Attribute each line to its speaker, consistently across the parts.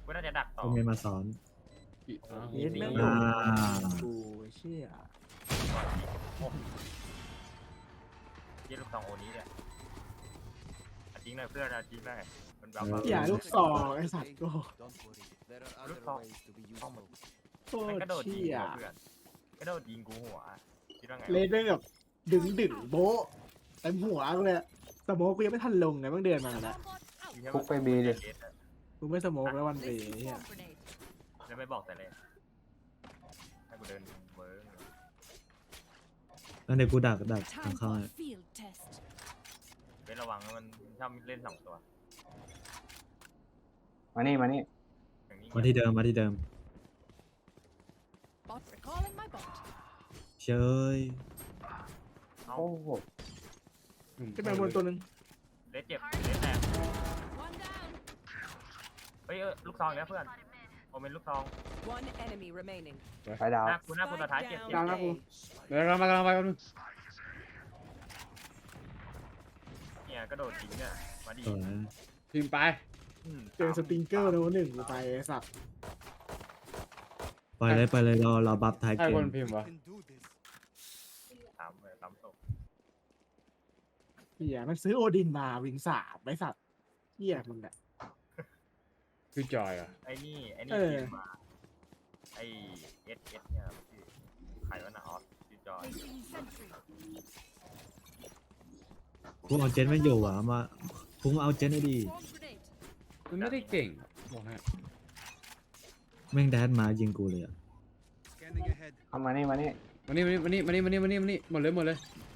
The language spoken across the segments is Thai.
Speaker 1: กูน่าจะดักต่อ
Speaker 2: กูมีมาสอน
Speaker 3: เย็ดแม่ง
Speaker 2: อ่า
Speaker 3: กูเชี่ย
Speaker 1: ยี่ลูกสองโอนี้เนี่ยจริงเลยเพื่อนจริงเลยมันแบบ
Speaker 3: อย่าลูกซองไอ้สัตว์โก้
Speaker 1: ลูกสองต้องมัน
Speaker 3: โค
Speaker 1: มัน
Speaker 3: ต
Speaker 1: กระโด
Speaker 3: ร
Speaker 1: ดยิง
Speaker 3: เชี่ย
Speaker 1: เพื่อนกระโดดยิงกูหัวคิดว่าไง
Speaker 3: เลนได้แบบดึงโบ๊ะเต็มหัวกูเลยสโมกกูยังไม่ทันลงไงเพิ่งเดินมาแล้ว
Speaker 4: พุกไปบีดิ
Speaker 3: กูไม่สโมกแล้ววันเวเนี่ย
Speaker 1: แล้วไม่บอกแต่เลยให้กูเดินเวิร์ก
Speaker 2: แล้วเดี๋ยวกูดักทางเข้าให้
Speaker 1: เป็นระวังมันชอบเล่นสองตัว
Speaker 4: มานี่
Speaker 1: อย่างนี้
Speaker 2: มาที่เดิมเชย
Speaker 1: เอา
Speaker 4: โอ้โห
Speaker 3: ขึ้นไปบนตัวนึง
Speaker 1: เล่นเจ็บเล่นแตกเฮ้ยลูกซองแล้วเพื่อนโอเมนลูกซอง
Speaker 4: ไปดาว
Speaker 1: หน้ากูสุดท้ายเจ็บ
Speaker 3: กลางนะกู
Speaker 5: เดี๋ยวเรามากำลังไปกันง
Speaker 1: เนี่ยกระโดดยิงเนี่ยมาดิ
Speaker 2: สวย
Speaker 5: พิมพ์ไป
Speaker 3: เจอสปริงเกอร์โน้หนึ่งกูไปไอ้สัตว์
Speaker 2: ไปเลยเราบัฟท้าย
Speaker 5: ใคร
Speaker 2: เก
Speaker 5: ค
Speaker 2: ม
Speaker 5: นพิมพ์วะ
Speaker 1: สามเลยสามศพ
Speaker 3: เหี้ยมันซื้อโอดินมาวิงสามไอ้สัตว์เหี้ยมึงเนี่ย
Speaker 5: คือจอยอ่ะ
Speaker 1: ไอ้นี่
Speaker 3: เออ
Speaker 1: เกมมาไอ้เอสเนี่ยชื่อใครวะนะออสชื่อจอย
Speaker 2: กูเอาเจนไม่อยู่อ่ะมากูมาเอาเจนได้ดี
Speaker 5: มันไม่ได้เก่งบอกให้
Speaker 2: แม่งแดนมายิงกูเลยอ่ะ
Speaker 4: เอามานี่
Speaker 5: มานี่หมดเลย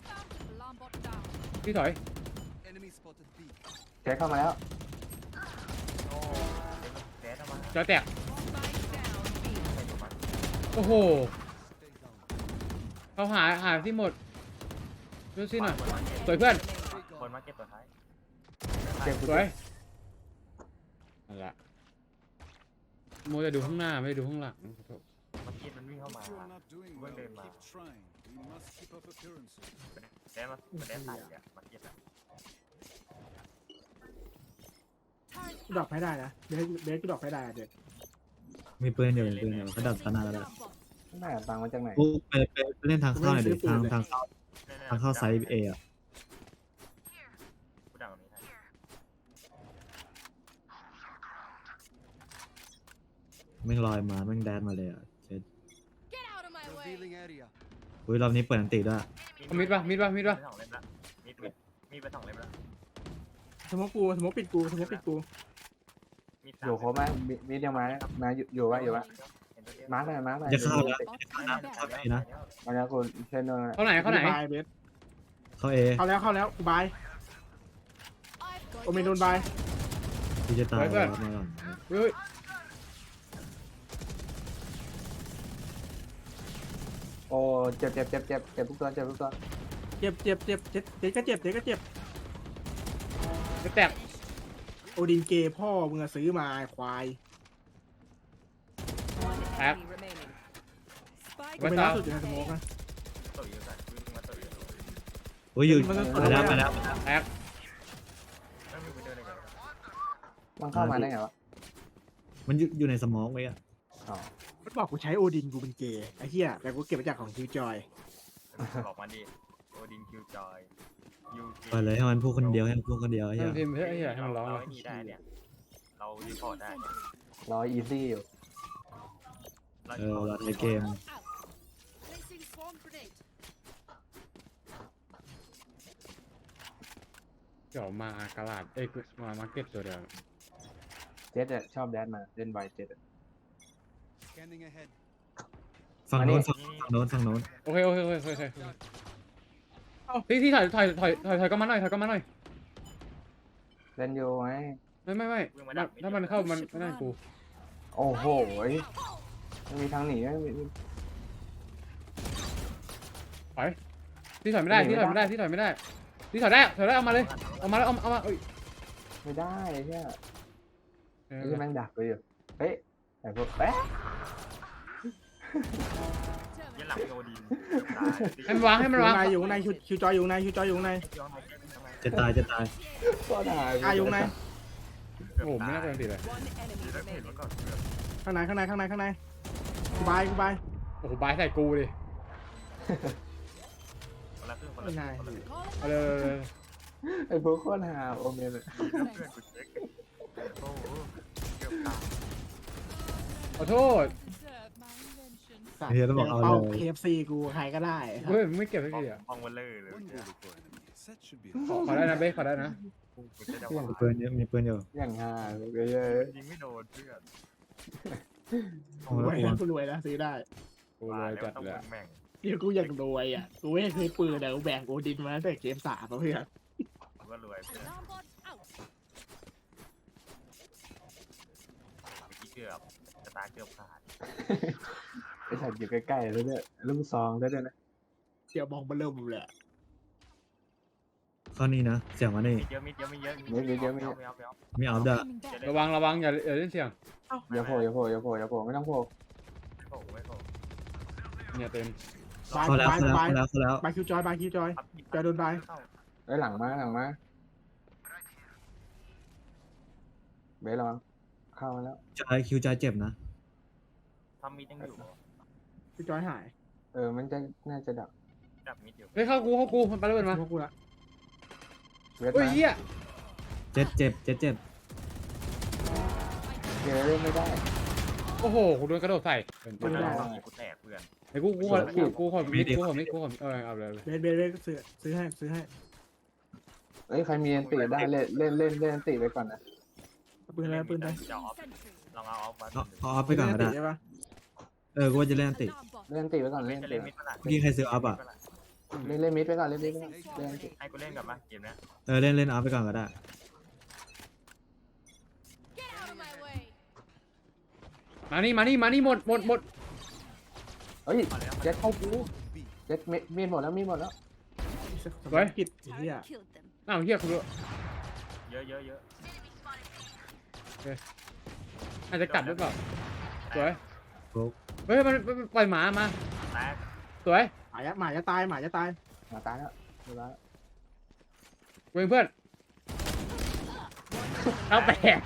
Speaker 5: พี่ถอย
Speaker 4: เช็คเข้ามาแล้ว
Speaker 1: โอ้เด็กแดดมา
Speaker 5: จอยแตก
Speaker 1: ใส่อยู่มัน
Speaker 5: โอ้โหเขาหาที่หมดดูสิหน่อยสวยเพื่อน
Speaker 1: คนมาเก็บตัวท้าย
Speaker 4: เจ็บ
Speaker 5: สวยนั่นแหละโมจะดูข้างหน้าไม่ได้ดูข้างหลัง
Speaker 1: มันคิดมันวิ่งเข้ามาเพิ่งเดินมาแดดมาแดดใส่อะมาเก็บอะ
Speaker 3: กูดรอปให้ได้นะเบสกูดรอปให้ได้อะเด็ด
Speaker 2: มีปืนอยู่เขาดับตาหน้าแล้ว
Speaker 4: แม่ตังมาจากไหน
Speaker 2: กูไปเล่นทางเข้าหน่อยดิทางเข้าไซส์เออ่ะ
Speaker 1: กูดังตรงนี้ให้
Speaker 2: แม่งลอยมาแม่งแดนมาเลยอ่ะเจ็ดอุ้ยรอบนี้เปิดอันติด้วย
Speaker 5: มิดปะ
Speaker 1: ไปสองเล่มละมีไปสองเล่มละ
Speaker 3: สโมกปิดกู
Speaker 1: มี
Speaker 4: อยู่ครบไหมมียังมาอยู่วะมาร์กหน่อย
Speaker 2: จะเข้าแล้วเข้าไปนะ
Speaker 4: มาแล้วคุณเช่นด้วย
Speaker 5: เข้าไหน
Speaker 3: บายเบส
Speaker 2: เข้าเอ
Speaker 3: เข้าแล้วกูบายโอเมนโดนบาย
Speaker 2: กูจะตายแล้วมาก่อน
Speaker 5: เฮ้ย
Speaker 4: โอ้เจ็บทุกตัว
Speaker 3: เจ็บก็เจ็บ
Speaker 5: จะแตก
Speaker 3: โอดินเกย์พ่อมึงซื้อมาควาย
Speaker 5: แตก
Speaker 3: กูเป็นล่าสุดอยู่ในสโมกนะ
Speaker 1: ตัวอยู่กันวิ่งมาตัวอยู่
Speaker 2: อุ้ยอยู่
Speaker 3: มัน
Speaker 2: ไปแล้ว
Speaker 5: แตก
Speaker 1: แล้วมีไปเดินอะไรกัน
Speaker 4: มันเข้ามาได้ไงวะ
Speaker 2: มันอยู่ในสมองไว้อ่ะ
Speaker 4: อ๋อ
Speaker 3: มันบอกกูใช้โอดินกูเป็นเกย์ไอ้เหี้ยแต่กูเก็บมาจากของคิวจอย
Speaker 1: บอกมาดิโอดินคิวจอยยู
Speaker 2: ไปเลยให้มันพูดคนเดียวให้มันพูดคนเดียว
Speaker 5: ให้
Speaker 2: ใช่
Speaker 5: มันพิมพ์ให้ให้มันร้อง
Speaker 1: เรา
Speaker 5: เลย
Speaker 1: ไอ้นี่ได้เนี่ยเรารีพอร์ตได้
Speaker 4: รออีซี่อยู่
Speaker 2: เราในเกม
Speaker 5: เดี๋ยวมากระลาดมามาร์เก็ตตัวเดียว
Speaker 4: เจ็ดชอบแดนมาเล่นไวเจ็ด
Speaker 2: ฝั่งโน้นฝั่งโน้น
Speaker 5: โอเคพี่ถอยก็มาหน่อย
Speaker 4: เล่นอยู่ไหม
Speaker 5: ไม่ถ้ามันเข้ามันไม่ได้กู
Speaker 4: โอ้โหไม่มีทางหนีไม่มี
Speaker 5: พี่ถอยไม่ได้พี่ถอยได้เอามาเลยเอามาเอ้ย
Speaker 4: ไม่ได้ใช่ที่แม่งดักไปอยู่เฮ้ยแต่พวก
Speaker 1: ยันหลังโอดิน
Speaker 5: ให้มันวาง
Speaker 3: อยู่ในคิวจอยอยู่ใน
Speaker 2: จะตาย
Speaker 4: ก็ได้
Speaker 3: อยู่ใน
Speaker 5: โอ้โหไม่น่าเป็นติดเลย
Speaker 6: One enemy
Speaker 1: ดีแล้วเห็น
Speaker 6: remaining.
Speaker 1: มาก่อนเพื่อน
Speaker 3: ข้างในกูบาย
Speaker 5: โอ้โหบายใส่กูดิ
Speaker 1: คนละครึ่งคน
Speaker 3: ไม่
Speaker 1: ละ
Speaker 3: นาย
Speaker 1: คนละครึ่ง
Speaker 5: เอาเลย
Speaker 4: ไอ้พวกโคตรหาโอเมนอะ
Speaker 1: ดีนะเพื่อนกูเช็คโอ้โหเกือบตาย
Speaker 5: ขอโทษ
Speaker 3: สัตว์
Speaker 2: เฮียต้องบอกเอา
Speaker 3: เป้า
Speaker 2: เลย
Speaker 3: KFC กูใครก็ได้
Speaker 5: เฮ้ยมึงไม่เก็บสักทีอ่ะ
Speaker 1: มองวันเลยเลย
Speaker 7: One bullet for enemy. That should be
Speaker 5: ขอได้นะเบ๊ขอได้นะ
Speaker 1: กูจะ
Speaker 2: มีปืนเยอะมีปืนอยู่
Speaker 4: อย่างหาเลยเยอะ
Speaker 1: ยิงไม่โดนเพื่อน
Speaker 2: โอ้
Speaker 3: ร
Speaker 2: โห
Speaker 3: วยนะกูรวยนะซื้อได้
Speaker 5: กูเลยจัด
Speaker 1: ต้อง
Speaker 5: เลยอะ
Speaker 1: แม่ง
Speaker 3: เดี๋ยวกูอยากรวยอ่ะกูไม่เคยปืนแต่กูแบ่งโอดินมาตั้งแต่เกม3แล้วเพื่อน
Speaker 1: กูก็รวยเพื่อน
Speaker 6: Alarm bot out.
Speaker 1: เมื่อกี้เกือบสตาร์เกือบขาด
Speaker 4: ไอ้สัตว์อยู่ใกล้ๆแล้วเนี่ยลูกซองได้ด้วยนะ
Speaker 3: เดี๋ยวมองมาเริ่มเลย
Speaker 2: ข้อนี้นะเสียงมานี่
Speaker 1: เยอะมิดเยอะไม่เยอะ
Speaker 2: มีออฟด้วย
Speaker 5: ระวังอย่าเล่นเสียง
Speaker 4: อย่าโผล่ไม่ต้องโผล่
Speaker 1: ไม่โผล่
Speaker 5: เนี่ยเต็ม
Speaker 3: บาย
Speaker 2: เข้าแล้ว
Speaker 3: บาย
Speaker 2: เข้าแล้ว
Speaker 3: บาย
Speaker 2: เข้าแล้วเข้าแล้ว
Speaker 3: บายคิวจอยจอยโดนบาย
Speaker 4: ไอ้หลังมาเบสระวังเข้ามาแล้ว
Speaker 2: จอยคิวจอยเจ็บนะ
Speaker 1: ทำมิดยังอยู่
Speaker 3: คิวจอยหาย
Speaker 4: มันจะน่าจะดับ
Speaker 1: จับมิดอยู่
Speaker 5: เฮ้ยเข้ากูมันไปแล้วมา
Speaker 3: พวกกูละ
Speaker 4: เวท
Speaker 5: เฮ้ย
Speaker 4: มา
Speaker 5: เหี้ย
Speaker 2: เจ็บเจ็บเจ็บเจ็บ
Speaker 4: เกเล่นไม่ได้
Speaker 5: โอ้โหกูโดนกระโดดใส่เป็น
Speaker 1: กูแตกกูแตกเพื่อน
Speaker 5: ไอ้กูขอมิดเอาเลย
Speaker 3: เบสซื้อให้
Speaker 4: เอ้ยใครมีอันติได้เล่นอันติไปก่อนนะ
Speaker 3: ปืนอะไรปืนอะไร
Speaker 1: จะออฟลองเอาออฟมา
Speaker 2: เอาออฟไปก่อนก็ได้
Speaker 3: ใช่ปะ
Speaker 2: กูว่าจะเล่นอันติ
Speaker 6: Alarm bot.
Speaker 4: เล่นอันติไปก่อนเล่น
Speaker 1: จะ
Speaker 4: อันติ
Speaker 1: เล่นมิดเมื่อไหร่
Speaker 2: เมื่อกี้ใครซื้อออฟอ่ะ
Speaker 4: เล่นมิดไปก่อนเล่นมิดไปก่อนเล่นอันติ
Speaker 1: ให้กูเล่นกับมาเกมนี้
Speaker 2: เล่นออฟไปก่อนก็ได้
Speaker 6: Get out of my way.
Speaker 5: มานี่หมด
Speaker 4: เฮ้ย
Speaker 1: พอแล้ว
Speaker 4: เจ็ดเข้ากูเจ็ดมีดหมดแล้ว
Speaker 3: กิจเฮีย
Speaker 6: Killed them.
Speaker 5: อ้าวเหี้ยกู
Speaker 1: เยอะ
Speaker 5: อาจจะกัดหรือเปล่าสวย
Speaker 2: โป๊ก
Speaker 5: เฮ้ยมันปล่อยหมามา
Speaker 1: แตก
Speaker 5: สวย
Speaker 3: หมาจะตาย
Speaker 4: มาตายแล้วเรียบร้อย
Speaker 5: เว้ยเพื่อนเอาแปด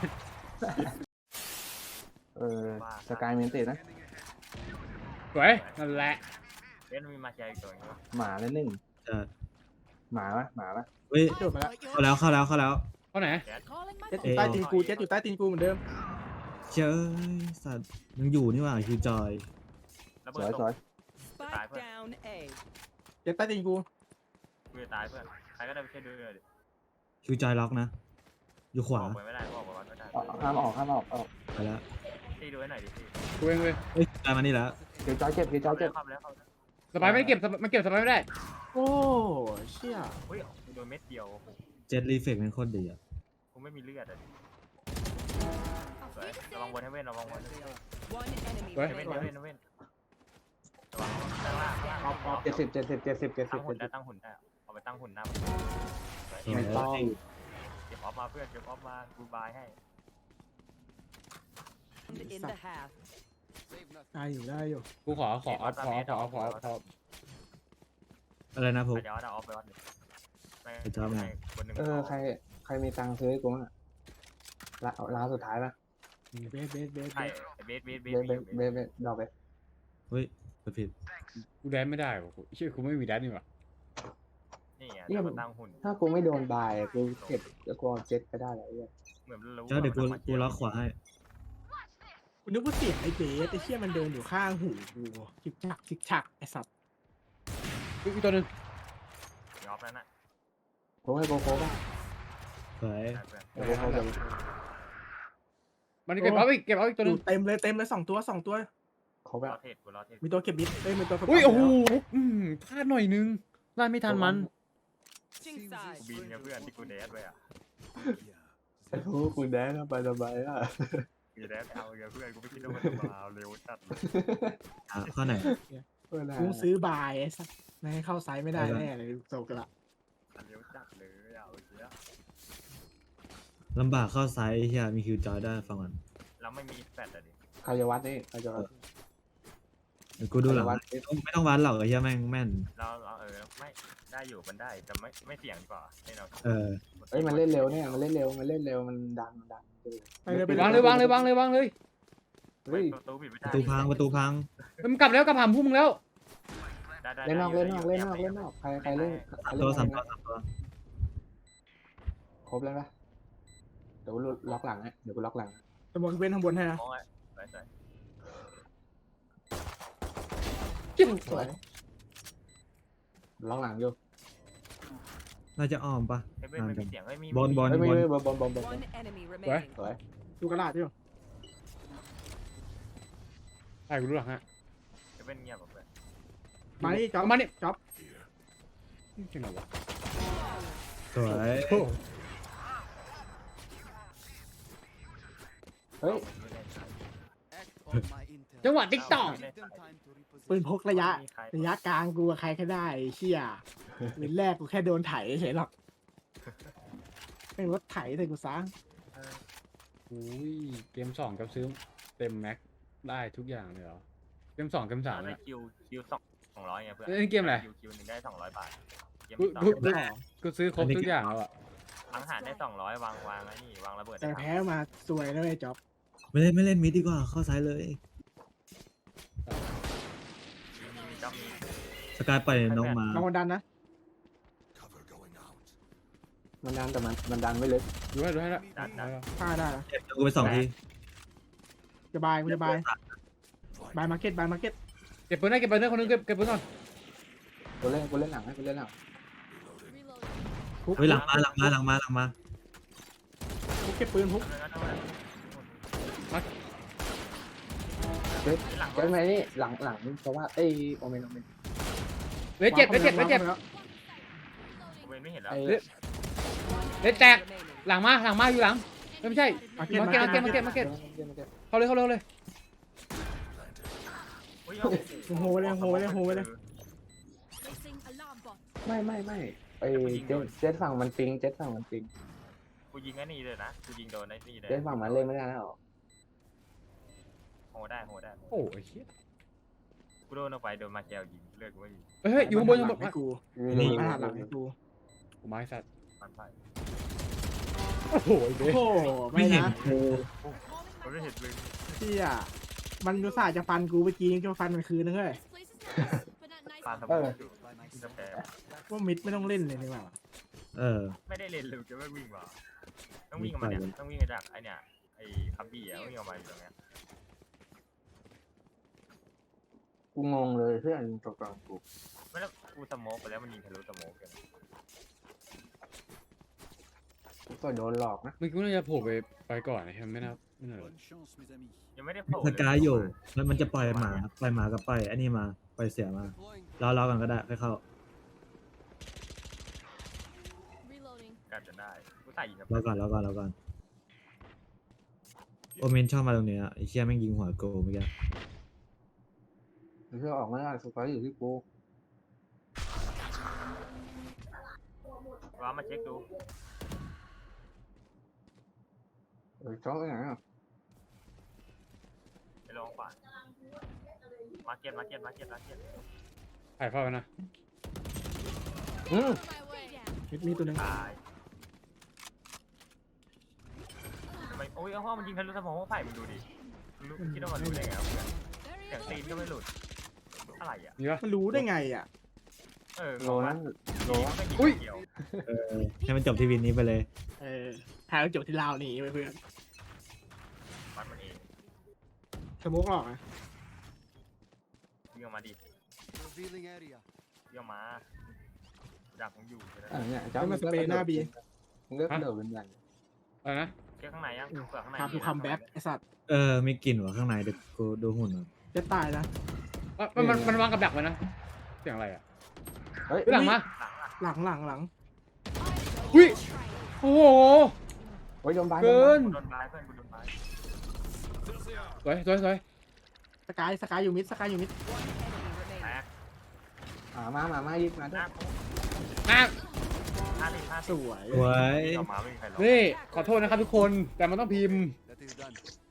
Speaker 4: สกายมีอันตินะ
Speaker 5: สวยนั่นแหละ
Speaker 1: เล่นมีมาแชร์อีกตัวนึง
Speaker 4: หมาแล้วหนึ่ง
Speaker 2: จะ
Speaker 4: หมาปะ
Speaker 2: เฮ้ย
Speaker 3: โดดมาแล้ว
Speaker 2: เข้าแล้ว
Speaker 5: เข้าไหน
Speaker 6: Calling my
Speaker 3: เจ็ด
Speaker 6: phone.
Speaker 3: อยู่ใต้ตีนกูเจ็ดอยู่ใต้ตีนกูเหมือนเดิม
Speaker 2: เจ้ยสัตว์ยังอยู่นี่หว่าคิวจอย
Speaker 1: แล้ว
Speaker 4: ส
Speaker 1: เบิ
Speaker 4: ว
Speaker 1: ร์
Speaker 4: ย
Speaker 1: ด
Speaker 4: สวย
Speaker 6: Spike down A.
Speaker 3: เจ็ดใต้ตีนกู
Speaker 1: กูจะตายเพื่อนใครก็ได้ไปช่วยด้วยดิ
Speaker 2: คิวจอยล็อกนะ อยู่ขวา
Speaker 1: ออกไปไม่ได้ออกไปไม่ได้
Speaker 4: ห้ามออก
Speaker 2: ไปแล้ว
Speaker 1: ตีดูให้หน่อยดิพี่
Speaker 5: กูเองเว้ย
Speaker 2: เฮ้ยจอยมานี่แล้ว
Speaker 4: เดี๋ยวจอยเจ็บ
Speaker 1: เข้าแล้ว
Speaker 5: สบายไม่เก็บมันเก็บสบายไม่ได้
Speaker 3: โอ้เชี่ย
Speaker 1: เฮ้ยกูโดนเม็ดเดียว
Speaker 2: เจ็ดรีเฟกเป็นโคตรดีอ่ะ
Speaker 1: กูไม่มีเลือดอ่ะระวังบนให้เว้นระวังบน
Speaker 6: One enemy
Speaker 5: เฮ้ย
Speaker 1: ให้เว้น
Speaker 6: remaining.
Speaker 1: ให้เว้นให้เว้นระวังข้างล่างข้างล่าง
Speaker 4: 70
Speaker 1: ตั้งหุ่นได้ตั้งหุ่นได้เอาไปตั้งหุ่นหน้า
Speaker 4: ไม่ต้อง
Speaker 1: เก็บออฟมาเพื่อนเก็บออฟมากูบายให้
Speaker 6: In the half.
Speaker 3: ได้อยู่
Speaker 5: กูขอเอา
Speaker 2: อะไรนะพวก
Speaker 1: เดี๋ยวเอาออฟไปวัดเลยคนหนึ่ง
Speaker 4: ใครมีตังค์ซื้อให้กูอ่ะร้านสุดท้ายป่ะ
Speaker 3: เบส
Speaker 1: ใช่เบส
Speaker 4: เบสดอกเบส
Speaker 2: เฮ้ยกดผิด
Speaker 5: กูแดนไม่ได้ว่ะเชื่อกูไม่มีแดนนี่หว่า
Speaker 1: นี่ไงเดี๋ยวมาตั้งหุ่น
Speaker 4: ถ้ากูไม่โดนบายกูเก็บกูเอาเจ็ตไปได้แล้วเนี่ย
Speaker 1: เหมือนรู้
Speaker 2: เจ้าเดี๋ยวกูล็อกขวาให้
Speaker 3: กูนึกว่าเสียงไอ้เบสไอ้เชี่ยมันเดินอยู่ข้างหูกูชิกฉักไอ้สัตว์
Speaker 5: อีกตัวนึง
Speaker 1: ออฟนั่นน่ะ
Speaker 4: ผมให้โกโก้ป่ะ
Speaker 2: สวย
Speaker 4: โกโก้จะ
Speaker 5: มันเก็บเอาอีกตัวนึง
Speaker 3: เต็มเลย2 ตัว
Speaker 4: เขาแบ
Speaker 1: ร
Speaker 4: บ
Speaker 1: อเทศกูรอเทศ
Speaker 3: มีตัวเก็บบิดมีตัว
Speaker 5: อุ้ยโอ้โหพลาดหน่อยนึงพลาดไม่ทันมัน
Speaker 6: Switching
Speaker 1: กู
Speaker 6: sides.
Speaker 1: บินกับเพื่อนที่กูเดสไปอ่ะ
Speaker 7: yeah.
Speaker 4: โอ้คุณแดนไปสบายอ่ะ
Speaker 1: กูเดสเอากับเพื่อนกูไม่คิดว่ามันจะมาเร็วจัด
Speaker 2: ข้อไหน
Speaker 3: กูซื้อบายไอ้สัตว์ไม่ให้เข้าไซส์ไม่ได้แน่เลยโซกละ
Speaker 1: เร็วจัดเลยเอาเยอะ
Speaker 2: ลำบากเข้าไซส์เฮียมีคิวจอยได้ฟังก่อน
Speaker 1: แล้วไม่มีแฟลชอ่ะดิ
Speaker 4: ใครจะวัดนี่ใครจะวัด
Speaker 2: เดี๋ยวกูดูหลัง
Speaker 4: วัด
Speaker 2: ไม่ต้องวัดหรอกไอ้เหี้ยแม่งแม่น
Speaker 1: เราไม่ได้อยู่มันได้แต่ไม่เสี่ยงดีกว่าให้เรา
Speaker 2: เออ
Speaker 4: เฮ้ยมันเล่นเร็วเนี่ยมันเล่นเร็วมันดัน
Speaker 3: ไปเลยไป
Speaker 5: วางเลยวางเลยวางเลยวางเลย
Speaker 4: เฮ้ย
Speaker 1: ประตูปิดไม่
Speaker 2: ป
Speaker 1: ได้
Speaker 2: ระตูพังประตูพัง
Speaker 5: มันกลับแล้วกลับหามพุ่มแล้ว
Speaker 1: ได้
Speaker 4: เล่นนอกใครเล่น
Speaker 2: ตัวสามตัวสามตัว
Speaker 4: ครบแล้วปะเดี๋ยวกูล็อกหลังฮะเดี๋ยวกูล็อกหลัง
Speaker 3: สมองเว้นข้างบนให้นะ
Speaker 1: มองไว้ใส่
Speaker 3: สวย
Speaker 4: ล็อกหลังอยู่
Speaker 2: น่าจะอ้อมปะ
Speaker 1: เฮ้ยไม่มีเสียงเฮ้ยมี
Speaker 2: บอล
Speaker 4: เฮ้ยไม่บอล
Speaker 6: One enemy remaining.
Speaker 4: สวย
Speaker 3: ดูกระดาษอยู่
Speaker 5: ใช่กูรู้หลังฮะ
Speaker 1: จะเป็นเงียบแบบ
Speaker 3: มานี่จ๊อบ
Speaker 5: เอามานี่
Speaker 3: จ๊อบ
Speaker 5: จริงเหรอวะ
Speaker 2: สวย
Speaker 5: โอ้
Speaker 4: เฮ้ย
Speaker 7: Act on my intel.
Speaker 5: จังหวะติ๊กตอก
Speaker 7: Give them time to repossess.
Speaker 3: ปืนพกระยะกลางกูกับใครก็ได้ไอ้เชี่ยปืนแรกกูแค่โดนไถเฉยหรอกเป็นรถไถแต่กูซ้าง
Speaker 5: อุ้ยเกม2กับซื้อเต็มแม็กได้ทุกอย่างเลยเหรอเกม2เกม3
Speaker 1: ได้
Speaker 5: เนี่ย
Speaker 1: คิว200ไงเพื่อน
Speaker 5: เล่นเกมอะไร
Speaker 1: คิวนึงได้200 บาทเกม
Speaker 5: กู
Speaker 1: ที่
Speaker 5: กูซื้อครบทุกอย่างแล้วอะ
Speaker 1: สังหารได้200วางไอ้นี่วางระเบิด
Speaker 3: แต่แพ้มาสวยนะไอ้จ๊อบ
Speaker 2: ไม่เล่นมิดดีกว่าเข้าซ้ายเลย
Speaker 1: มีจ้ามี
Speaker 2: สกายปล่อยน้องมา
Speaker 3: ลองดันนะ
Speaker 7: Cover going out.
Speaker 4: มันดันแต่มันดันไม่ลึก
Speaker 5: ดูให้แล้ว
Speaker 1: ดัน
Speaker 3: ฆ่าได้นะ
Speaker 2: เก็บกูไป2 ที
Speaker 3: จะบายกูจะบายบายมาร์เก็ตบายมาร์เก็ต
Speaker 5: เก็บปืนได้เก็บปืนได้คนนึงเก็บปืนก่อน
Speaker 4: กูเล่นหลังให้กูเล่นหลัง
Speaker 3: พุก
Speaker 2: เฮ้ยหลังมา
Speaker 3: พุกเก็บปืนพุก
Speaker 4: เจ๊ไหมนี่หลังเพราะว่าเอ้ยโอเมน
Speaker 5: เลยเจ็บ
Speaker 3: แล้ว
Speaker 1: เวนไม่เห็นแล้ว
Speaker 4: ไอ้
Speaker 5: เลยแตกหลังมาอยู่หลังไม่ใช่
Speaker 3: มาร์เก็ต
Speaker 5: มาเก็ตเข้าเลย
Speaker 3: โหเลย
Speaker 4: ไม่ไอ้เจ๊ฝั่งมันปิง
Speaker 1: กูยิงไอ้นี่เลยนะกูยิงโดนไอ้นี่เลย
Speaker 4: เจ๊ฝั่งมันเล่นไม่ได้แล้ว
Speaker 1: โหได้
Speaker 5: โอ้ยเหี้ย
Speaker 1: กูโดนออกไปโดนมาแกวยิงเลือดกูไม่มี
Speaker 5: เฮ้ยอยู่ข้างบน
Speaker 3: ให้กู
Speaker 4: นี่
Speaker 3: มาหลังให้กู
Speaker 5: กูไม้สัตว์
Speaker 1: มันไป
Speaker 5: โอ้โหไอ้เบ้
Speaker 3: โอ้โหไม่
Speaker 2: ไม่เห็น
Speaker 3: นะ
Speaker 2: กู
Speaker 1: มันไม่เห็นเลย
Speaker 3: เชี่ยมันอุตส่าห์จะฟันกูเมื่อกี้ยังจะฟันมันคืนนึงเลย
Speaker 1: ปาสมองอยู่จะแพ้
Speaker 3: ว่ามิดไม่ต้องเล่นเลยนี่หว่า
Speaker 1: ไม่ได้เล่นเลยจะไม่วิ่งว่ะต้องวิ่งออกมาเนี่ยต้องวิ่งมาจากไอเนี่ยไอคัมบี้อ่ะวิ่งออกมาอยู่ตรงเนี้ย
Speaker 4: กูงงเลยเพื่อนตกกลางกู
Speaker 1: ไม่แล้วกูสโมกไปแล้วมันยิงทะลุสโมกกัน
Speaker 4: ก็โดนหลอกนะ
Speaker 5: มึงกูน่าจะโผล่ไปก่อนนะไม่น่า
Speaker 7: Bonne chance, mes amis.
Speaker 1: ยังไม่ได้โผล่
Speaker 2: สกายอยู่แล้วมันจะปล่อยหมากับปล่อยอันนี้มาปล่อยเสียมา
Speaker 7: Deploying.
Speaker 2: รอกันก็ได้ค่อยเข้า
Speaker 1: กันจะได้กูใส่ยิงกับ
Speaker 2: รอก่อนโอเมนชอบมาตรงเนี้ยไอ้เชี่ยแม่งยิงหัวโกเมื่อกี้
Speaker 4: เพื่อออกไม่ได้สุดท้ายอยู่ที่กู
Speaker 1: ว้ามาเช็คดู
Speaker 4: จ้องไปไหนอ่ะ
Speaker 1: ไปลองขวามาเก็ต
Speaker 5: ถ่ายเข้ากันนะ
Speaker 3: มิดมีตัวหนึง
Speaker 1: ตายทำไมโอ้ยห้องมันยิงทะลุสมองไผ่มึงดูดิรู้คิดว่ามันรู้ได้ไงวะเสียงตีนก็ไม่หลุดอะไรอ่ะ
Speaker 5: มีปะ
Speaker 3: มันรู้ได้ไงอ่ะ
Speaker 4: โลนั้นโล
Speaker 1: อุ้ยเกี่ยว
Speaker 2: ให้มันจบที่วินนี้ไปเลย
Speaker 3: หาจบที่ลาวหนีไปเพื่อน
Speaker 1: มันเอง
Speaker 3: สโมกออกนะ
Speaker 1: วิ่งออกมาดิ
Speaker 7: Revealing area.
Speaker 1: วิ่งออกมาดักผมอยู่
Speaker 4: เนี่ยเลือกเดินเป็นใหญ่
Speaker 5: อะไรนะ
Speaker 1: เช็คข้างในยังเปลือกข้างใน
Speaker 3: พากูคัมแบ็กไอสัตว์
Speaker 2: มีกลิ่นว่ะข้างในเดี๋ยวกูดูหุ่นอ่ะ
Speaker 3: จะตายนะ
Speaker 5: มันวางกับดักไว้นะเสียงอะไรอ่ะ
Speaker 4: เฮ้ย
Speaker 5: หลังมา
Speaker 3: หลัง
Speaker 5: อุ้ยโอ้โห
Speaker 4: โอ้ยโดนบาย
Speaker 5: เกิน
Speaker 1: กูโดนบายเพื่อนกูโดนบาย
Speaker 5: สวย
Speaker 3: สกายอยู่มิด
Speaker 6: One enemy
Speaker 1: แต
Speaker 6: remaining.
Speaker 1: ก
Speaker 4: มายิงมา
Speaker 1: ห
Speaker 4: ด้ว
Speaker 1: น้าย กู
Speaker 5: อ่ะ
Speaker 3: สวย
Speaker 2: สวย
Speaker 1: วิ่งออกมาไม่มีใครหรอก
Speaker 5: นี่ขอโทษนะครับทุกคนแต่มันต้องพิมพ์
Speaker 7: That is done.